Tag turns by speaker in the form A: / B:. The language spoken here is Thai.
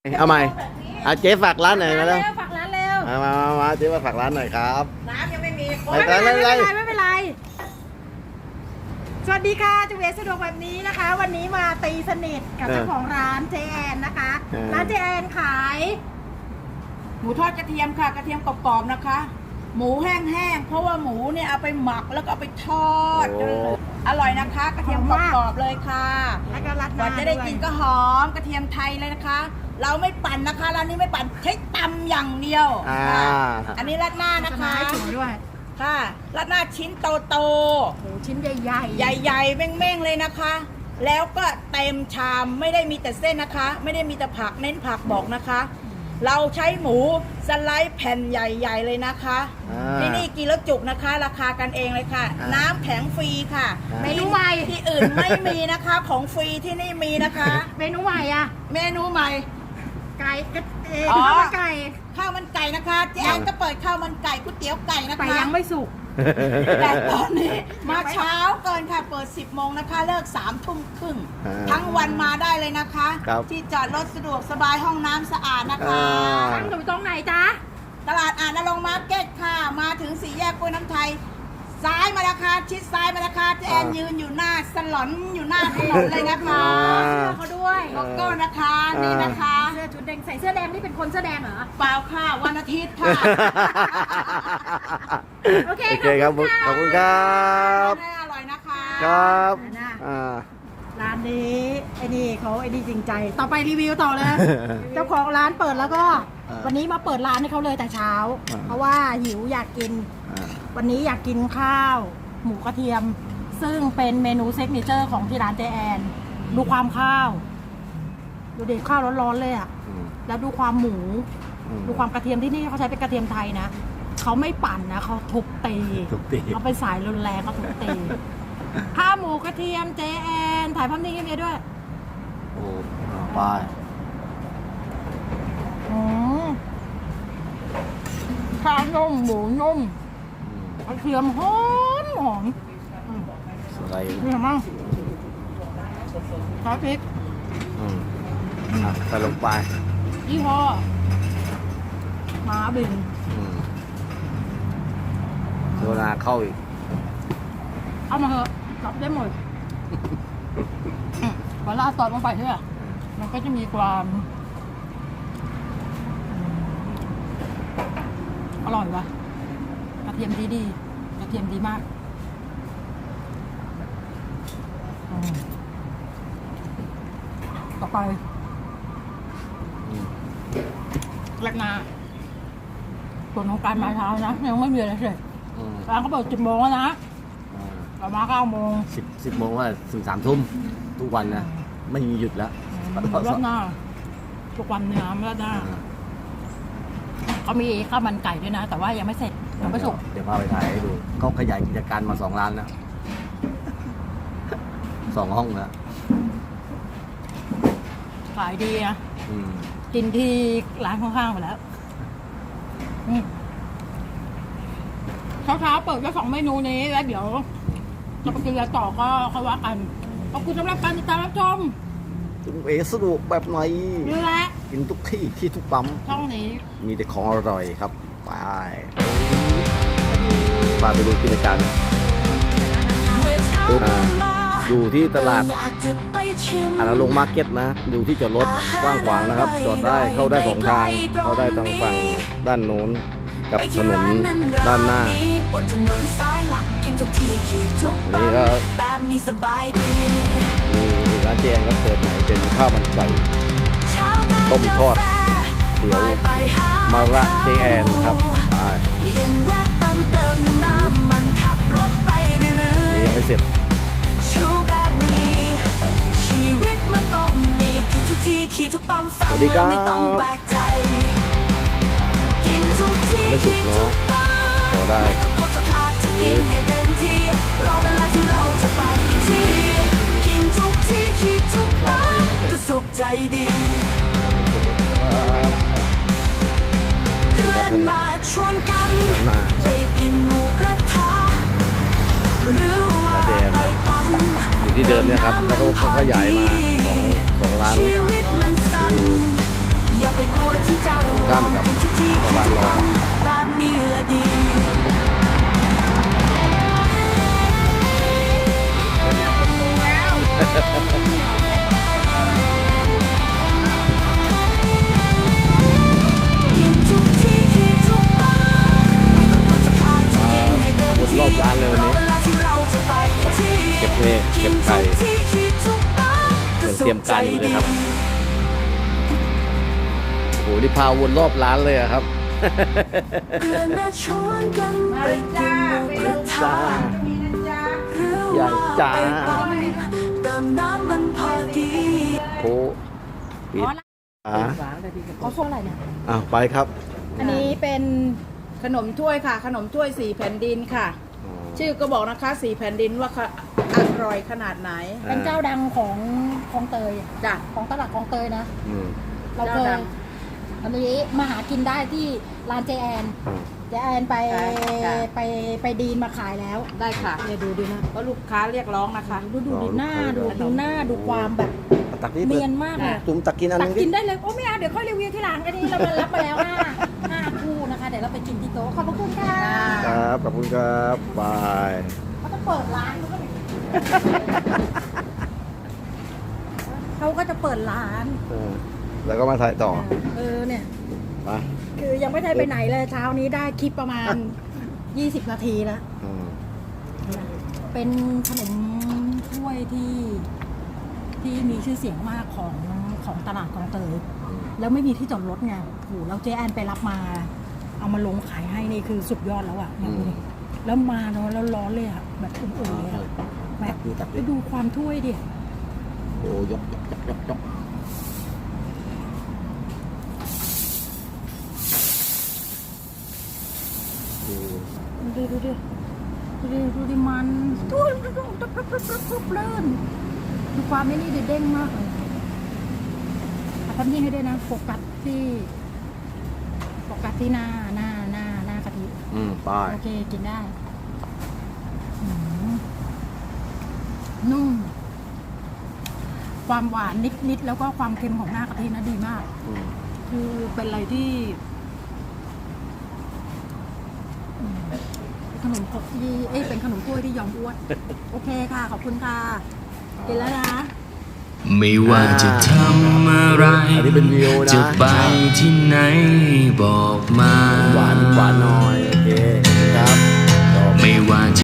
A: เอาใหม่เจ๊ฝากร้านหน่อยมาแล้ว
B: ฝากร้านเร็ว
A: มาเจ๊มาฝากร้านหน่อยครับ
B: น้ำยังไม่มี
A: ไม่เป็นไร
B: สวัสดีค่ะจุ๋ยสะดวกแบบนี้นะคะ วันนี้มาตีสนิทกับเจ้าของร้านเจแอนนะคะร้านเจแอนขายหมูทอดกระเทียมค่ะกระเทียมกรอบๆนะคะ หมูแห้งๆเพราะว่าหมูเนี่ยเอาไปหมักแล้วก็เอาไปทอดอร่อยนะคะกระเทียมกรอบๆเลยค่ะแล้วก็รัดก่อนจะได้กินก็หอมกระเทียมไทยเลยนะคะ เราไม่ปั่นนะคะร้านนี้ไม่ปั่นใช้ตำอย่างเดียวอันนี้ราดหน้านะคะด้วยค่ะราดหน้าชิ้นโตๆชิ้นใหญ่ๆใหญ่ๆเม่งๆเลยนะคะ แล้วก็เต็มชามไม่ได้มีแต่เส้นนะคะ ไม่ได้มีแต่ผักเน้นผักบอกนะคะ เราใช้หมูสไลด์แผ่นใหญ่ๆเลยนะคะที่นี่กินแล้วจุกนะคะราคากันเองเลยค่ะน้ำแข็งฟรีค่ะเมนูใหม่ที่อื่นไม่มีนะคะของฟรีที่นี่มีนะคะเมนูใหม่อะเมนูใหม่ไก่ข้าวมันไก่นะคะเจ๊แอนก็เปิดข้าวมันไก่ก๋วยเตี๋ยวไก่นะคะแต่ยังไม่สุกแต่ตอนนี้มาเช้าเกินค่ะเปิด10 โมงนะคะเลิก3 ทุ่มครึ่งทั้งวันมาได้เลยนะคะที่จอดรถสะดวกสบายห้องน้ำสะอาดนะคะตั้งอยู่ตรงไหนจ๊ะตลาดอ่านนรงค์มาร์เก็ตค่ะมาถึง4 แยกกล้วยน้ำไทยซ้ายมาแล้วค่ะชิดซ้ายมาแล้วค่ะเจ๊แอนยืนอยู่หน้าสลอนอยู่หน้าถนนเลยนะคะเขาด้วยโลโก้นะคะนี่นะคะเสื้อชุดแดงใส่เสื้อแดงนี่เป็นคนเสื้อแดงเหรอเปล่าค่ะวันอาทิตย์ค่ะโอเคครับ
A: ขอบคุณครับ
B: อร่อยนะคะ
A: ครับ
B: ร้านนี้ไอ้นี่จริงใจต่อไปรีวิวต่อเลยเจ้าของร้านเปิดแล้วก็วันนี้มาเปิดร้านให้เขาเลยแต่เช้าเพราะว่าหิวอยากกินวันนี้อยากกินข้าวหมูกระเทียมซึ่งเป็นเมนูเซิกเนเจอร์ของที่ร้านเจแอนดูความข้าวดูเด็ดข้าวร้อนๆเลยอ่ะแล้วดูความหมูดูความกระเทียมที่นี่เขาใช้เป็นกระเทียมไทยนะเขาไม่ปั่นนะเขาทุบตีเขาเป็นสายรุนแรงเขาทุบตีข้าวหมูกระเทียมเจแอนถ่ายภาพนิ่งให้เมียด้วย
A: โอ้ไป
B: ข้าวนุ่มหมูนุ่มกระเทียมหอม
A: อะไร
B: นี่ทำมั่งซอสพริก
A: ใส่ลงไป
B: ยี่ห้อม้าบิน
A: โซดาเข้าอีก
B: เอามาเถอะรับได้หมดเวลาตอดลงไปใช่ไหมมันก็จะมีความอร่อยว่ะกระเทียมดีกระเทียมดีมากต่อไปแรกนาส่วนของการมาเช้านะยังไม่มีอะไรเลยร้านเขาเปิด10 โมงแล้วนะเรามา9 โมง
A: 10 โมงว่าถึง3 ทุ่มทุกวันนะไม่มีหยุดแล้ว
B: รอบหน้าทุกวันเนื้อรอบหน้าเขามีข้าวมันไก่ด้วยนะแต่ว่ายังไม่เสร็จยังไม่สุก
A: เดี๋ยวพาไปถ่ายให้ดูเขาขยายกิจการมา2 ร้านแล้ว2 ห้องแล้ว
B: ขายดีนะกินที่ร้านข้างๆไปแล้วเช้าเปิดแค่2 เมนูนี้แล้วเดี๋ยวจะไปกินอะไรต่อก็ค่อยว่ากันขอบคุณสำหรับการติดตามรับชม
A: จุ๋มสะดวกแบบไหน
B: นี่แหละ
A: กินทุกที่ทุกปั๊ม
B: ช่องนี้
A: มีแต่ของอร่อยครับไปดูกิจการอยู่ที่ตลาดอ่านนรงค์มาร์เก็ตนะอยู่ที่จอดรถกว้างขวางนะครับจอดได้เข้าได้2 ทางเข้าได้ทางฝั่งด้านโน้นกับถนนด้านหน้านี่ก็ร้านเจแอนก็เปิดใหม่เป็นข้าวมันไก่ต้มทอดเดี๋ยวมาละเจแอนครับยังไม่เสร็จสวัสดีครับไม่สุกเนาะพอได้สุขใจดีเดือนมาชวนกันไปกินหมูกระทะหรือว่าไปปั่นอยู่ที่เดิมเนี่ยครับแล้วก็เขาขยายมาของร้านการอยู่เลยครับโอ้โหนี่พาวนรอบร้านเลยอะครับ
B: มาเลยจ้าไปดู
A: จ้า
B: มีนะจ๊ะ
A: อย่างจ้า
C: เติมน้ำมันพอดี
A: โคปิดอ่ะ
B: เขาส่งอะไรเนี่ย
A: อ้าวไปครับ
B: อันนี้เป็นขนมถ้วยค่ะ ขนมถ้วยสี่แผ่นดินค่ะ ชื่อก็บอกนะคะสี่แผ่นดินว่าอร่อยขนาดไหน
D: เป็นเจ้าดังของคลองเตย
B: จ้ะ
D: ของตลาดคลองเตยนะ
A: อืม
D: เราเค
B: เจ้าย ดัง
D: อันนี้มาหากินได้ที่ร้านเจแอน
A: อืม
D: เจแอนไป
B: ใช่ค่ะ
D: ไปดีนมาขายแล้ว
B: ได้ค่ะ
D: เดี๋ยวดูดินะ
B: เพราะลูกค้าเรียกร้องนะคะ
D: ดูดิหน้าดูหน้าดูความแบบ
A: ตักนี้
D: เนียนมากเลย
A: จุ่มตักกินอัน
D: ตั
A: นึ
D: ก
A: ง
D: กินได้เลยโอ้ไม่เอาเดี๋ยวค่อยรีวิวที่หลังอันนี้เรามารับมาแล้วห้าคู่นะคะเดี๋ยวเราไปกินที่โต๊ะขอบพระคุณค่ะ
A: ครับขอบคุณครับบาย
D: เขาจะเปิดร้านเขาก็จะเปิดร้าน
A: แล้วก็มาถ่ายต่อ
D: เนี่ย
A: ไป
D: คือยังไม่ได้ไปไหนเลยเช้านี้ได้คลิปประมาณ 20 นาทีแล้ว
A: อืม
D: เป็นขนมถ้วยที่มีชื่อเสียงมากของตลาดคลองเตย แล้วไม่มีที่จอดรถไงโอ้โหแล้วเจ๊แอนไปรับมา เอามาลงขายให้นี่คือสุดยอดแล้วอ่ะเนี่ยดูดิแล้วมาเนาะแล้วร้อนเลยอ่ะแบบอุ่นๆเลยอะแบบไปดูความถ้วยดิ
A: โอ้ยกโอ้
D: ดูดิมันดูเลื่นดูความไม่นี่ดิเด้งมากเลยทำยิ่งให้ด้วยนะโฟกัสที่หน้ากะทิ
A: ไป
D: โอเคกินได้อืมนุ่มความหวานนิดแล้วก็ความเค็มของหน้ากะทินะดีมาก คือเป็นอะไรที่ขนมครกที่เป็นขนมถ้วยที่ยอมอ้วน โอเคค่ะ ขอบคุณค่ะกินแล้วนะ
C: ไม่ว่าจะทำอะไร
A: อันนี้เป็นวิวนะ
C: จะไปที่ไหนบอกมา
A: หวานหน่อย โอเคครับ
C: ไม่ว่าจะ